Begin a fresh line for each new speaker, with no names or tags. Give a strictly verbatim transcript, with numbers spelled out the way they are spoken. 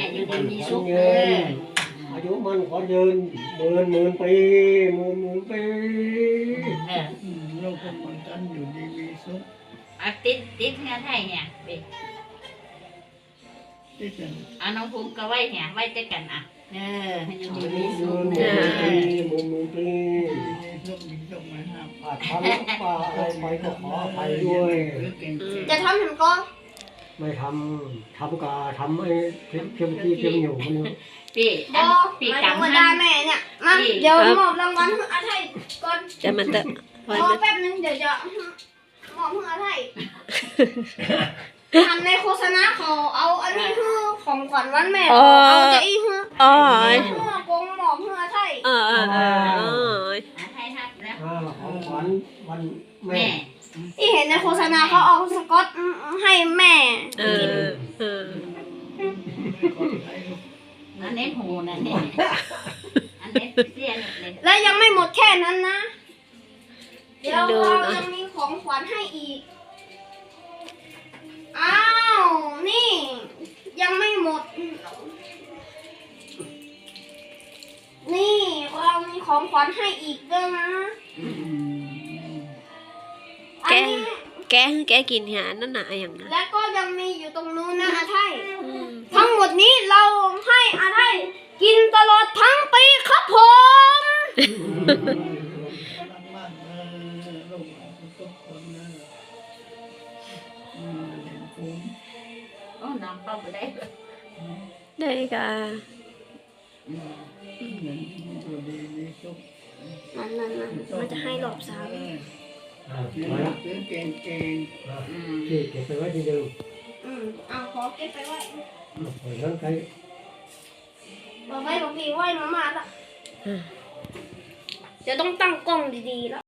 อยู่ดีมีสุข
เ
เด้อ
อายุมันขอยืนหมื่นหมื่นปีหมื่นหมื่นปี
เออ
โลกก็คนกันอยู่ดีมีสุข
เอาติดติดเฮือไทยเนี่ยไป
ที่จะ
เอาน้องภูมิก็ไว้เนี่ยไว้ด้วยกันอ่ะเออให้อยู่ดีมี
ห
สุ
มื่
ข
นห
เอ
มื่น
อ
ปีหมื่นหมื่นปี
มีสุขมีสุขมาห้าม
อาจทำป่าอะไรไปก็ขออภัยด้วย
เก่ง
จะทำถึงก็
ไม่ทำทำกาทำไอ้เพียงเพียงที่เพียงอยู่คนนี้
พี่
บ
อัน
อ
พี่
หมาย
ก
ถึง
ำ
ว่า
ให้
ได้แม่เนี่ยมาเดี๋ยวมอบรางวัลให้อาไทยก่อน
จะมันเตอะพอ
รอ
ไหม
แป๊บนึงเดี๋ยวจะมอบให้อาไทยทำในโฆษณาเขาเอาอันนี้คือของขวัญวันแม่เขาเอาจะอีคือ
อ๋อ
เพื่อกงหมอบเพื่ออาไทย
เออเออเออ
อาไทยทับแล้ว
อ่าของขวัญวันแม่
แม่
ที่เห็นในโฆษณาเขาเอาสกอตให้แม่
เออเออ
อันนี้หูนั่นนี่อันนี้เสียนเลย
และยังไม่หมดแค่นั้นนะ เดี๋ยวเรายังมีของขวัญให้อีก อ้าว นี่ ยังไม่หมด นี่เรามีของขวัญให้อีกด้วยนะอัน
แก
นี้
แกแกกินหานั่นน่ะอย่างนั้น
และก็ยังมีอยู่ตรงนู้นนะอาไทย
อืม
ทั้งหมดนี้เราให้อาไทยกินตลอดทั้งปีครับผม
บ้านเออโลกทุกคนนะอืมเห็นคุ้ม
โอ้น้องเข้าไปได้
ได้กะ
อืมเห็นอยู่ดีมีสุข
นั่นนั่นนั่นมันจะให้หลบสาม
เออ
อ่า
ซื้อ
มาละ
ซื้อเก่งเก่ง
อ่า
อืม
ที่เก็บไปไว้ที่เดิม
อืมเอาขอเก็บไปไว้
เปิดนั้นใคร
บอกไว้บอกพี่ไว้มามาละเดี๋ยวต้องตั้งกล้องดีๆแล้ว